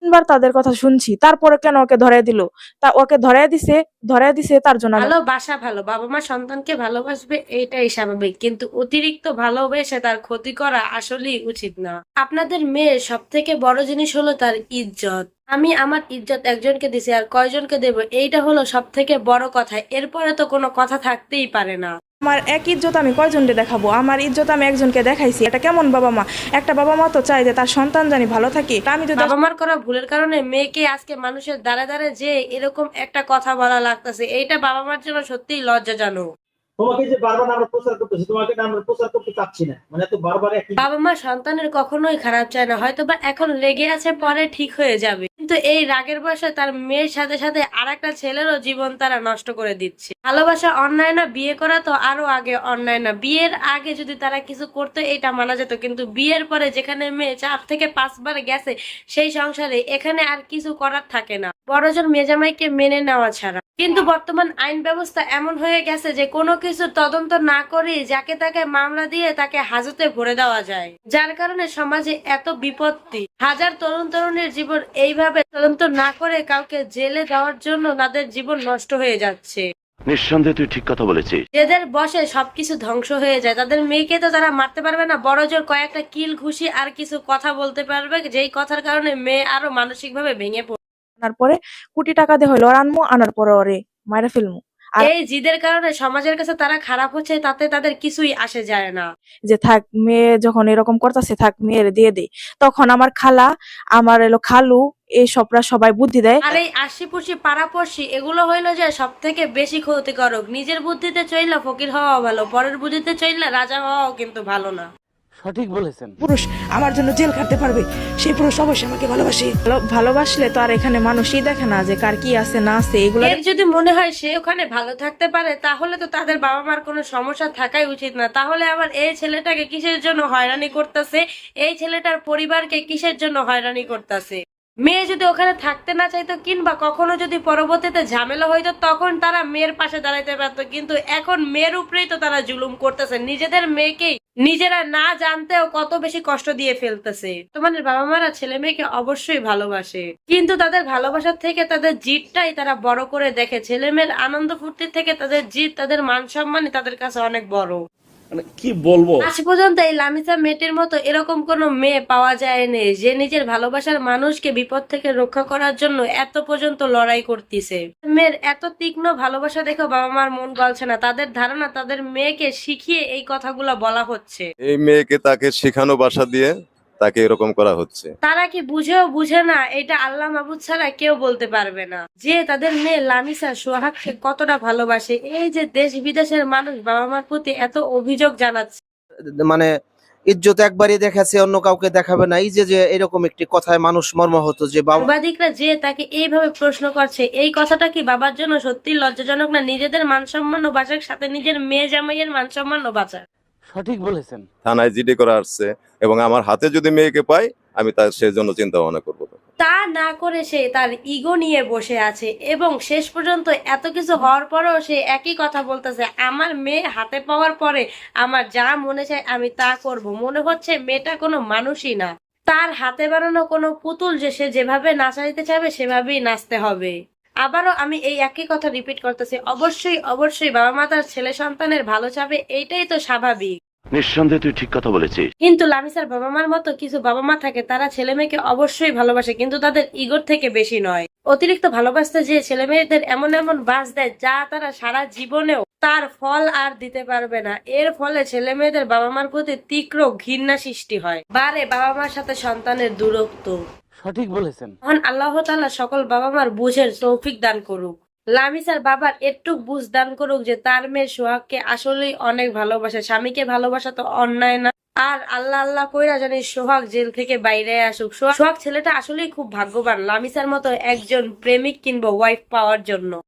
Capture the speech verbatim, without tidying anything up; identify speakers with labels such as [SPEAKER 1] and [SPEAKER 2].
[SPEAKER 1] তিনবার তাদের কথা শুনছি, তারপরে কেন ওকে ধরে দিল? তা ওকে ধরে দিছে ধরে দিছে তার জন্য আমি-
[SPEAKER 2] ভালোবাসা ভালো, বাবা মা সন্তানকে ভালোবাসবে এটাই স্বাভাবিক, কিন্তু অতিরিক্ত ভালোবেসে তার ক্ষতি করা আসলেই উচিত না। আপনাদের মেয়ের সব থেকে বড় জিনিস হলো তার ইজ্জত। আমি আমার ইজ্জত একজনকে দিছি আর কয়জনকে দেব, এইটা হলো সব থেকে বড় কথা। এরপরে তো কোনো কথা থাকতেই পারে না।
[SPEAKER 1] আমার এক ইজ্জত আমি কয়জনকে দেখাবো? আমার ইজ্জত আমি একজনকে দেখাইছি, এটা কেমন বাবা মা? একটা বাবা মা তো চাই যে তার সন্তান জানি ভালো থাকে। আমি যদি
[SPEAKER 2] বাবা মার করা ভুলের কারণে মেয়েকে আজকে মানুষের দ্বারে দ্বারে যে এরকম একটা কথা বলা লাগতেছে, এইটা বাবা মার জন্য সত্যিই লজ্জাজনক।
[SPEAKER 3] তোমাকে যে বারবার আমরা প্রচার করতেছি, তোমাকে না আমরা প্রচার করতে চাচ্ছি না, মানে এত বারবার একই।
[SPEAKER 2] বাবা মা সন্তানের কখনোই খারাপ চায় না, হয়তো বা এখন লেগে আছে, পরে ঠিক হয়ে যাবে, কিন্তু এই রাগের বয়সে তার মেয়ের সাথে সাথে আর একটা ছেলেরও জীবন তারা নষ্ট করে দিচ্ছে। ভালোবাসা অন্যায় না, বিয়ে করা তো আরো আগে অন্যায় না। বিয়ের আগে যদি তারা কিছু করতো এটা মানা যেত, কিন্তু বিয়ের পরে যেখানে মেয়ে চার থেকে পাঁচবার গেছে সেই সংসারে, এখানে আর কিছু করার থাকে না বড়জন মেজামাইকে মেনে নেওয়া ছাড়া। কিন্তু বর্তমান আইন ব্যবস্থা এমন হয়ে গেছে যে কোনো কিছু তদন্ত না করে যাকে তাকে মামলা দিয়ে তাকে হাজতে ভরে দেওয়া যায়, যার কারণে সমাজে এত বিপত্তি। হাজার তরুণ তরুণীর জীবন এইভাবে তদন্ত না করে কাউকে জেলে দেওয়ার জন্য তাদের জীবন নষ্ট হয়ে যাচ্ছে।
[SPEAKER 4] নিঃসন্দেহে তুই ঠিক কথা বলেছিস।
[SPEAKER 2] যাদের বসে সবকিছু ধ্বংস হয়ে যায়, তাদের মেয়েকে তো তারা মারতে পারবে না, বড় জোর কয়েকটা কিল ঘুষি আর কিছু কথা বলতে পারবে, যেই কথার কারণে মেয়ে আরো মানসিক ভাবে ভেঙে পড়ে।
[SPEAKER 1] আনার পরে কোটি টাকা দিয়ে হলো ওর আনমু, আনার পরে ওরে মাইরা ফেলমু। আর
[SPEAKER 2] এই জিদের কারণে সমাজের কাছে তারা খারাপ হচ্ছে, তাতে তাদের কিছুই আসে যায় না।
[SPEAKER 1] যে থাক, মেয়ে যখন এরকম করতেছে থাক মেয়ের দিয়ে দেই। তখন আমার খালা, আমার এলো খালু, এই সবরা সবাই বুদ্ধি দেয়।
[SPEAKER 2] আর এই আশিপুষি পাড়াপড়শি এগুলো হইলো যে সব থেকে বেশি ক্ষতিকারক। নিজের বুদ্ধিতে চইলা ফকির হওয়া ভালো, পরের বুদ্ধিতে চইলা রাজা হওয়াও কিন্তু ভালো না।
[SPEAKER 5] সঠিক বলেছেন।
[SPEAKER 1] পুরুষ আমার জন্য জেল খাটতে পারবে, সেই পুরুষ অবশ্যই আমাকে ভালোবাসে। ভালো- ভালোবাসলে তো আর এখানে মানুষই দেখে না যে কার কি আছে না আছে এগুলো।
[SPEAKER 2] এর যদি মনে হয় সে ওখানে ভালো থাকতে পারে, তাহলে তো তাদের বাবা মার কোনো সমস্যা থাকাই উচিত না। তাহলে আবার এই ছেলেটাকে কিসের জন্য হয়রানি করতেছে, এই ছেলেটার পরিবারকে কিসের জন্য হয়রানি করতেছে? মেয়ে যদি ওখানে থাকতে না চাইতো, কিংবা কখনো যদি পরবর্তীতে ঝামেলা হইতো, তখন তারা মেয়ের পাশে দাঁড়াইতে পারতো, কিন্তু এখন মেয়ের উপরেই তো তারা জুলুম করতেছে। নিজেদের মেয়েকেই নিজেরা না জানতেও কত বেশি কষ্ট দিয়ে ফেলতেছে। তোমাদের বাবা মারা ছেলে মেয়েকে অবশ্যই ভালোবাসে, কিন্তু তাদের ভালোবাসার থেকে তাদের জিদটাই তারা বড় করে দেখে। ছেলে মেয়ের আনন্দ ফুর্তির থেকে তাদের জিদ, তাদের মান সম্মানই তাদের কাছে অনেক বড়।
[SPEAKER 6] মানে কি বলবো,
[SPEAKER 2] আজ পর্যন্ত এই লামিসা মেয়েটির মতো এরকম কোন মেয়ে পাওয়া যায়নি যে নিজের ভালোবাসার মানুষকে বিপদ থেকে রক্ষা করার জন্য এত পর্যন্ত লড়াই করতেছে। মেয়ের এত তীক্ষ্ণ ভালোবাসা দেখো বাবা মার মন গলছে না। তাদের ধারণা তাদের মেয়েকে শিখিয়ে এই কথাগুলো বলা হচ্ছে।
[SPEAKER 7] এই মেয়েকে তাকে শেখানো ভাষা দিয়ে তাকে এরকম করা হচ্ছে।
[SPEAKER 2] তারা কি বুঝেও বুঝে না? এটা আল্লাহ মাহবুদ ছাড়া কেউ বলতে পারবে না যে তাদের মেয়ে লামিসা সোহাগকে কতটা ভালোবাসে। এই যে দেশ বিদেশের মানুষ বাবা মার প্রতি এত অভিযোগ জানাচ্ছে,
[SPEAKER 8] মানে ইজ্জত একবারই দেখাচ্ছে, অন্য কাউকে দেখাবে না। এই যে যে এরকম একটি কথায় মানুষ মর্মাহত যে বাবা
[SPEAKER 2] সাংবাদিকরা যে তাকে এইভাবে প্রশ্ন করছে, এই কথাটা কি বাবার জন্য সত্যি লজ্জাজনক না? নিজেদের মান সম্মান ও বাঁচার সাথে নিজের মেয়ে জামাইয়ের মান সম্মান ও বাঁচা।
[SPEAKER 5] সঠিক বলেছেন।
[SPEAKER 7] থানায় জিডি করা আসছে এবং আমার হাতে যদি মেয়েকে পাই আমি তার সেই জন্য চিন্তা ভাবনা করবো।
[SPEAKER 2] তা না করে সে তার ইগো নিয়ে বসে আছে, এবং শেষ পর্যন্ত এত কিছু হওয়ার পরেও সে একই কথা বলতেছে, আমার মেয়ে হাতে পাওয়ার পরে আমার যা মনে চায় আমি তা করব। মনে হচ্ছে মেয়েটা কোনো মানুষই না, তার হাতে বানানো কোনো পুতুল যে সে যেভাবে নাচাইতে চাবে সেভাবেই নাচতে হবে। আবারও আমি এই একই কথা রিপিট করতেছি, অবশ্যই অবশ্যই বাবা মা তার ছেলে সন্তানের ভালো চাবে, এইটাই তো স্বাভাবিক।
[SPEAKER 4] নিঃসন্দেহে তুই ঠিক কথা বলেছিস।
[SPEAKER 2] কিন্তু লামিসার বাবা মার মতো কিছু বাবা মা থাকে, তারা ছেলে মেয়েকে অবশ্যই ভালোবাসে, কিন্তু তাদের ইগোর থেকে বেশি নয়। অতিরিক্ত ভালোবাসতে যে ছেলে মেয়েদের এমন এমন বাস দেয় যা তারা সারা জীবনেও তার ফল আর দিতে পারবে না। এর ফলে ছেলে মেয়েদের বাবা মার প্রতি তীব্র ঘৃণা সৃষ্টি হয়, বারে বাবা মার সাথে সন্তানের দূরত্ব।
[SPEAKER 5] সঠিক বলেছেন।
[SPEAKER 2] মহান আল্লাহ তাআলা সকল বাবা মার বুঝের তৌফিক দান করুক। লামিসার বাবার একটু বুঝ দান করুক যে তার মেয়ে সোহাগকে আসলেই অনেক ভালোবাসে। স্বামীকে ভালোবাসা তো অন্যায় না। আর আল্লাহ আল্লাহ কইরা জানি সোহাগ জেল থেকে বাইরে আসুক। সোহাগ ছেলেটা আসলেই খুব ভাগ্যবান লামিসার মতো একজন প্রেমিক কিংবা ওয়াইফ পাওয়ার জন্য।